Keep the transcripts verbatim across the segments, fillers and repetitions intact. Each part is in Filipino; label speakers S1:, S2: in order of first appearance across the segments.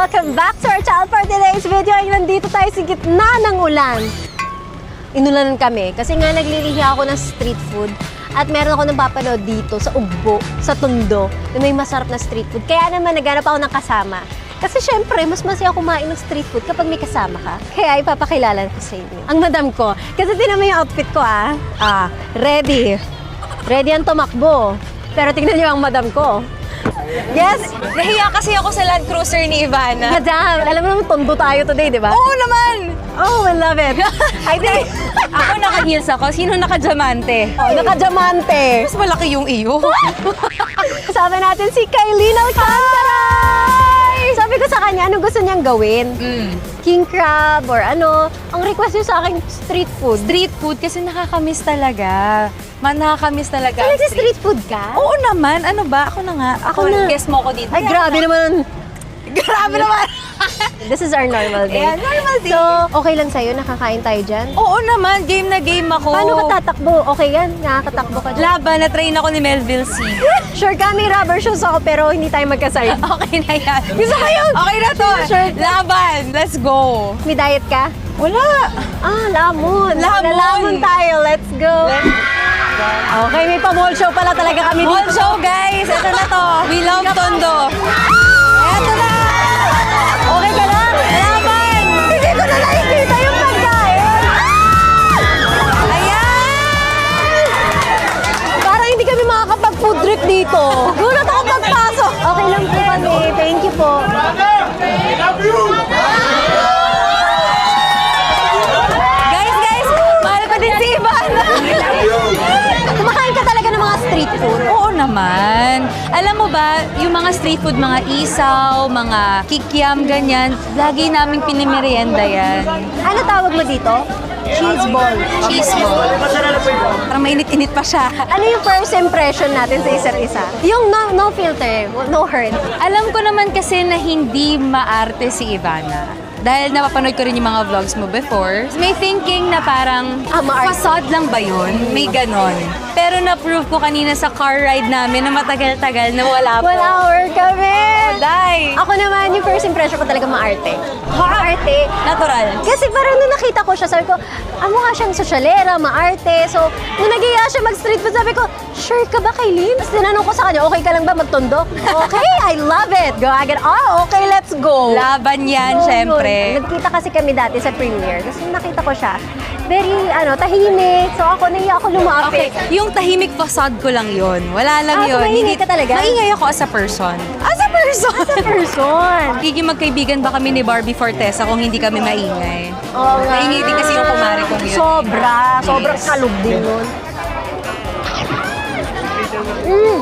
S1: welcome back to our channel for today's video. Ay, nandito tayo sa gitna ng ulan. Inulanan kami kasi nga naglilihi ako ng street food at meron ako nang papanood dito sa Ugbo, sa Tondo, na may masarap na street food. Kaya naman naghanap ako ng kasama. Kasi syempre, mas masaya kumain ng street food kapag may kasama ka. Kaya ipapakilala ko sa inyo. Ang madam ko. Kasi tinan mo yung outfit ko ah. Ah, ready. Ready ang tumakbo. Pero tingnan niyo ang madam ko. Yes!
S2: Nahiya kasi ako sa Land Cruiser ni Ivana.
S1: Madam, alam mo naman, tondo tayo today, di ba?
S2: Oo naman!
S1: Oh, I love it. I think,
S2: Ako naka-heels ako. Sino naka-diamante?
S1: oh, naka-diamante.
S2: Mas malaki yung iyo.
S1: Kasama natin si Kailyn Alcantara! Sabi ko sa kanya, ano gusto niyang gawin?
S2: Mm.
S1: King crab or ano? Ang request niyo sa akin, street food.
S2: Street food kasi nakakamiss talaga. Man, nakakamiss talaga.
S1: So,
S2: ang
S1: nagsi-street food ka?
S2: Oo naman. Ano ba? Ako na nga. Ako,
S1: Ako na.
S2: Guess mo ako dito.
S1: Ay, grabe naman.
S2: Grabe naman.
S1: This is our normal day.
S2: Yeah, normal day.
S1: So, okay lang sa'yo? Nakakain tayo dyan?
S2: Oo naman. Game na game ako.
S1: Paano ka tatakbo? Okay yan? Nakakatakbo ka dyan?
S2: Laban. Na-train ako ni Melville C.
S1: Sure ka, may rubber shoes ako pero hindi tayo magkaside.
S2: Okay na yan.
S1: Gusto ko yun!
S2: Okay na to.
S1: Sure.
S2: Laban. Let's go.
S1: May diet ka?
S2: Wala.
S1: Ah, lamon.
S2: Lamon.
S1: Lamon tayo. Let's go. Okay, may pa-mall show pala talaga kami
S2: Mall
S1: dito.
S2: show, guys. Ito na to. We love Tondo. Ito na.
S1: Okay ka lang?
S2: Laban.
S1: Hindi ko na nakikita yung pagkain.
S2: Ayan.
S1: Parang hindi kami makakapag-food trip dito. Gulat ako pagpasok. Okay lang po kami. Thank you po.
S2: Guys, guys. Mahal ko din si Ivan.
S1: Kumakain ka talaga ng mga street food.
S2: Oo naman. Alam mo ba, yung mga street food, mga isaw, mga kikiam, ganyan, lagi naming pinimerienda yan.
S1: Ano tawag mo dito? Cheese ball.
S2: Cheese ball. Parang mainit-init pa siya.
S1: Ano yung first impression natin sa isa't isa? Yung no, no filter, no hurt.
S2: Alam ko naman kasi na hindi maarte si Ivana. Dahil napapanood ko rin yung mga vlogs mo before. May thinking na parang,
S1: Ah, maarte.
S2: facade lang ba yun? May ganon. Pero na-prove ko kanina sa car ride namin na matagal-tagal na wala po.
S1: One hour kami!
S2: Day!
S1: Ako naman, yung first impression ko talaga maarte. Maarte.
S2: Natural.
S1: Kasi parang nung nakita ko siya, sabi ko, ah, mukha siyang sosyalera, maarte. So, nung nagiya siya mag-street food, sabi ko, sure ka ba, Kailyn? Tapos tinanong ko sa kanya, okay ka lang ba magtondo? Okay, I love it. Go agad, oh, okay, let's go.
S2: Laban yan,
S1: So,
S2: syempre.
S1: yun. Nagkita kasi kami dati sa premiere. Tapos nung nakita ko siya, very, ano, tahimik. So ako, nahiya ako lumapit.
S2: Okay, yung tahimik facade ko lang yun. Wala lang
S1: Ah, so
S2: yun.
S1: maingay ka talaga?
S2: Maingay ako as a person. As a person!
S1: As a person.
S2: Giging magkaibigan ba kami ni Barbie Fortesa kung hindi kami maingay?
S1: Oo nga.
S2: Maingay din kasi yung kumari kong yun.
S1: Sobra. Sobrang kalog din yun. Mm.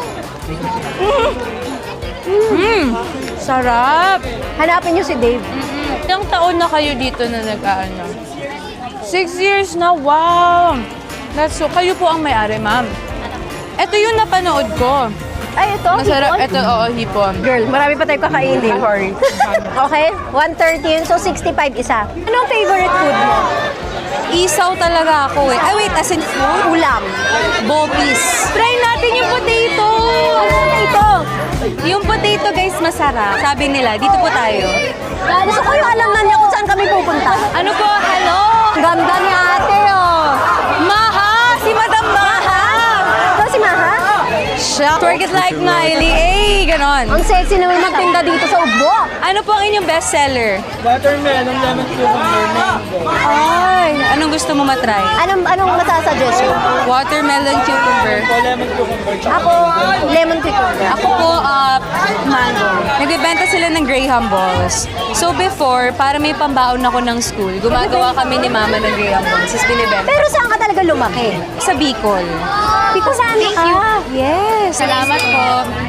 S2: Mm, sarap!
S1: Hanapin niyo si Dave.
S2: Ilang taon na kayo dito na nag-ano? Six years na, wow! That's so, kayo po ang may-ari, ma'am. Ito yung napanood ko.
S1: Ay, ito.
S2: Masarap,
S1: hipon.
S2: ito, oo, hipon.
S1: Girl, marami pa tayong kakainin.
S2: Sorry.
S1: Okay, one thirty yun. So, sixty-five isa. Anong favorite food mo?
S2: Isaw talaga ako eh. Ay, wait, as in food?
S1: Ulam.
S2: Bopis. Try natin yung potato!
S1: Ano na ito?
S2: Yung potato, guys, masarap. Sabi nila, dito po tayo.
S1: Gusto ko yung alam na niya kung saan kami pupunta.
S2: Ano po? Hello?
S1: Ganda ni ate, oh.
S2: Maha! Si Madam Maha!
S1: Ito si Maha?
S2: Siya. Twerk it like Miley. Eh, ganon.
S1: Ang sexy naman magtinda dito sa Ugbo.
S2: Ano po ang inyong bestseller?
S3: Watermelon, lemon cucumber, mango.
S2: Ay, anong gusto mo matry?
S1: Anong, anong masasuggest mo?
S2: Watermelon cucumber.
S3: O lemon cucumber.
S1: Ako, lemon cucumber.
S2: Ako po, uh, mango. Nagbibenta sila ng Graham balls. So before, para may pambaon ako ng school, gumagawa kami ni mama ng Graham balls. Tapos binibenta.
S1: Pero saan ka talaga lumaki?
S2: Sa Bicol.
S1: Because saan
S2: Thank
S1: ka?
S2: you. Yes. Salamat po.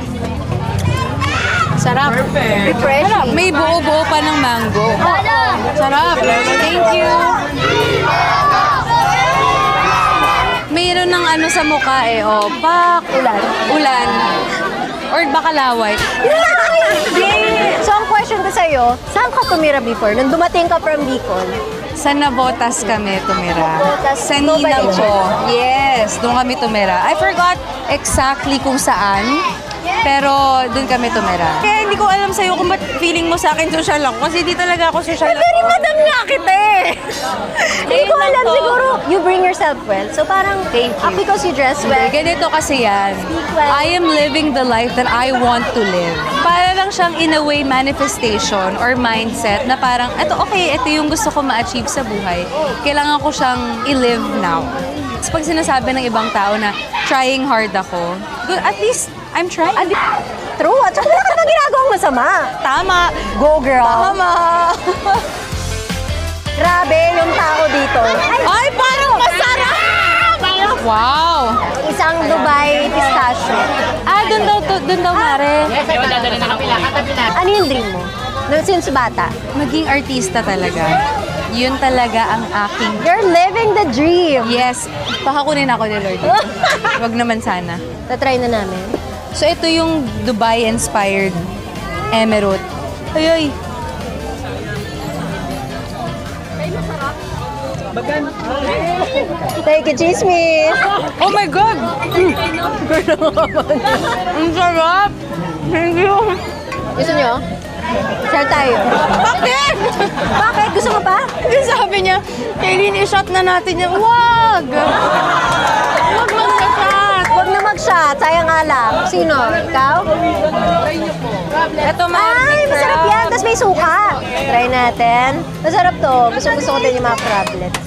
S2: Sarap.
S1: Refreshing.
S2: Sarap. May buo-buo pa ng mango. Sarap. Thank you. Mayroon ng ano sa mukha eh. Oh, pak.
S1: Ulan.
S2: Ulan. Or bakalaway.
S1: Yay! So, ang question ko sa'yo, saan ka tumira before? Nung dumating ka from Bicol?
S2: Sa Navotas kami tumira.
S1: Navotas,
S2: Sa Ninang
S1: Nova
S2: ko. Yes, doon kami tumira. I forgot exactly kung saan. Pero doon kami tumira. Kaya hindi ko alam sa'yo kung ba't feeling mo sa akin social lang. Kasi di talaga ako social lang.
S1: Very madam nga kita eh. Hindi ko
S2: Ayun lang
S1: alam
S2: to.
S1: siguro, you bring yourself well. So parang,
S2: Thank you.
S1: ah, because you dress well.
S2: Ganito kasi yan.
S1: well.
S2: I am living the life that I want to live. Para lang siyang in a way manifestation or mindset na parang, eto okay, ito yung gusto ko ma-achieve sa buhay. Kailangan ko siyang i-live now. Tapos pag sinasabi ng ibang tao na trying hard ako, good, at least I'm trying.
S1: Adi, true. At saka wala ka bang ginagawang masama.
S2: Tama.
S1: Go, girl.
S2: Tama.
S1: Grabe yung tao dito. Ay,
S2: Ay, parang masarap! Wow!
S1: isang Dubai pistachio.
S2: Ah, dun daw, to- dun daw, Mare.
S1: Ano yung dream mo? No, since bata.
S2: Maging artista talaga. Yun talaga ang aking...
S1: You're living the dream.
S2: Yes, pakakunin ako ni Lord. Wag naman sana.
S1: Tatry na namin.
S2: So, ito yung Dubai-inspired emerald. Ay, ay.
S1: Take it, chismis.
S2: Oh my God! Ang sarap! Thank you!
S1: Gusto nyo? Share tayo.
S2: Bakit?
S1: Bakit? Gusto mo pa?
S2: Kasi sabi niya, Kaylin, i-shot na natin yan. Wag! Wag mag-shot!
S1: Huwag na mag-shot. Sayang alak. Sino? Ikaw?
S2: Ito,
S1: Ay, masarap yan. Tapos may suka. Try natin. Masarap to. Gusto gusto ko din yung mga crablets.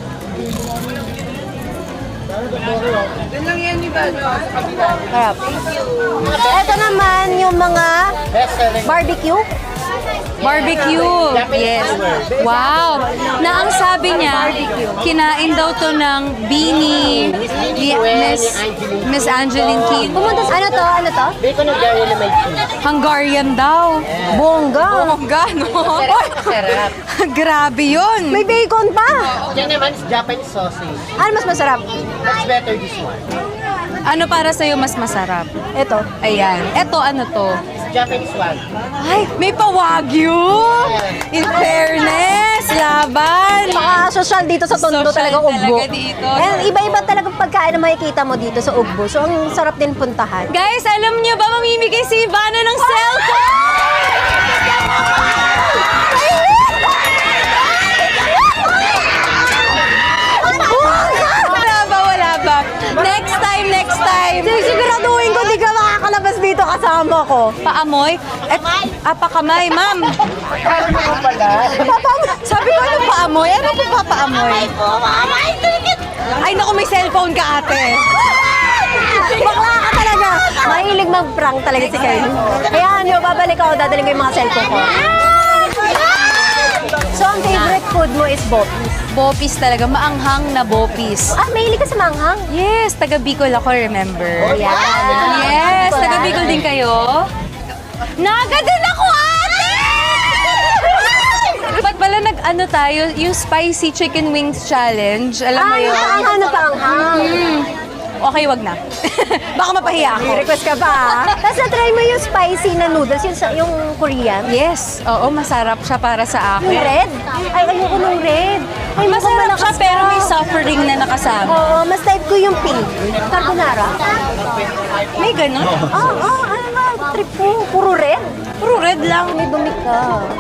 S1: Sarap. Ito naman yung mga barbecue.
S2: Barbecue. Yes. Wow. Na ang sabi niya, kinain daw to ng Beanie, ni Miss, Miss Angeline Keane.
S1: Pumunta sa ano to? Ano to?
S3: Bacon ng gaya na may cheese.
S2: Hungarian daw.
S1: Bongga.
S2: Bongga, no?
S3: Sarap.
S2: Grabe yun.
S1: May bacon pa.
S3: Yan naman is Japanese sausage.
S1: Ano mas masarap?
S3: That's better this one.
S2: Ano para sa'yo mas masarap?
S1: Ito.
S2: Ayan. Eto, ano to?
S3: It's Japanese one.
S2: Ay, may pa-wagyu! In fairness, laban!
S1: Paka-social dito sa Tondo
S2: Social
S1: talaga ugbo.
S2: talaga dito.
S1: And iba-iba talaga pagkain na makikita mo dito sa ugbo. So, ang sarap din puntahan.
S2: Guys, alam niyo ba mamimigay si Ivana ng cellphone? Wala ba, wala ba? Next time, next time.
S1: Siguraduhin ko di ka makakalabas dito kasama ko.
S2: Paamoy? Et, ah, pakamay, ma'am. Sabi ko, ano paamoy? Ano po papaamoy? Ay, naku, may cellphone ka, ate.
S1: Bakla ka talaga. Mahilig mag-prank talaga si Kyle. Kaya ano, babalik ako, dadaling ko yung mga cellphone ko. So, ang favorite food mo is bopis.
S2: Bopis talaga, maanghang na bopis.
S1: Ah, mahilig ka sa manghang?
S2: Yes, taga Bicol ako, remember?
S1: Yeah.
S2: Yes, taga Bicol din kayo. Naga din ako, ate! Ba't pala nag-ano tayo, yung spicy chicken wings challenge, alam mo
S1: Ah,
S2: yun?
S1: yung paanghang na paanghang.
S2: Mm. Okay, wag na. Baka mapahiya ako.
S1: May request ka pa, ah. Tapos na-try mo yung spicy na noodles, yung, sa- yung Korean.
S2: Yes, oo, masarap siya para sa
S1: Yung
S2: akin.
S1: red? Ay, ayoko nung red. Ay, mukhang
S2: Masarap
S1: malakas
S2: siya pero
S1: ka.
S2: may suffering na nakasama.
S1: Oo, mas type ko yung pink. Carbonara.
S2: May ganun?
S1: Ah, ah, ano na, trip ko. Puro red.
S2: Puro red lang.
S1: May dumi ka.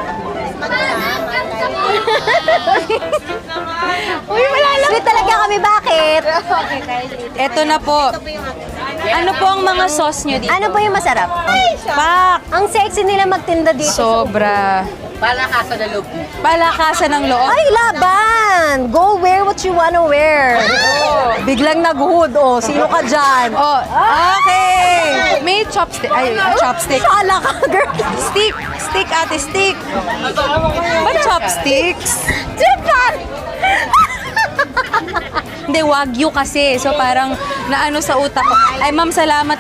S2: Uy, wala lang.
S1: Sweet talaga kami, bakit?
S2: Eto na po. Ano po ang mga sauce nyo dito?
S1: Ano po yung masarap?
S2: Pak!
S1: Ang sexy nila magtinda dito.
S2: Sobra.
S3: Palakasan na loob.
S2: Palakasan ng loob.
S1: Ay, laban! Go wear what you wanna wear. Biglang nag-hood, oh. Sino ka dyan?
S2: Oh, okay. May chopstick. Ay, chopstick.
S1: Sala ka, girl.
S2: Stick. Stick, ate, stick. Ba't chopsticks?
S1: Japan!
S2: Hindi, wagyu kasi. So parang naano sa utak ko. Ay, ma'am, salamat.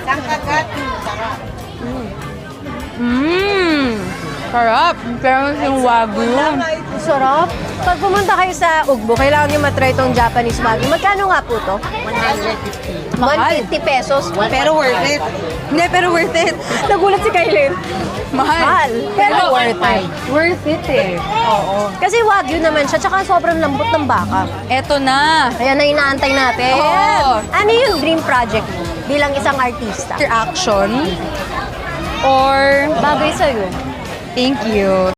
S2: Mmm. Sarap. Pero yung wagyu.
S1: Sarap. Pag pumunta kayo sa Ugbo, kailangan nyo matry itong Japanese wagyu. Magkano nga po to?
S3: one hundred fifty.
S2: Mahal.
S1: one fifty pesos.
S2: Pero worth it. Hindi, pero worth it.
S1: Nagulat si Kailin.
S2: Mahal.
S1: Mahal. Pero
S2: worth it. Worth it eh. Oo.
S1: Kasi wagyu naman siya, tsaka sobrang lambot ng baka.
S2: Eto na.
S1: Ayan na inaantay natin.
S2: Oo.
S1: Ano yung dream project mo bilang isang artista?
S2: After action, Or,
S1: Bagay sa'yo.
S2: thank you.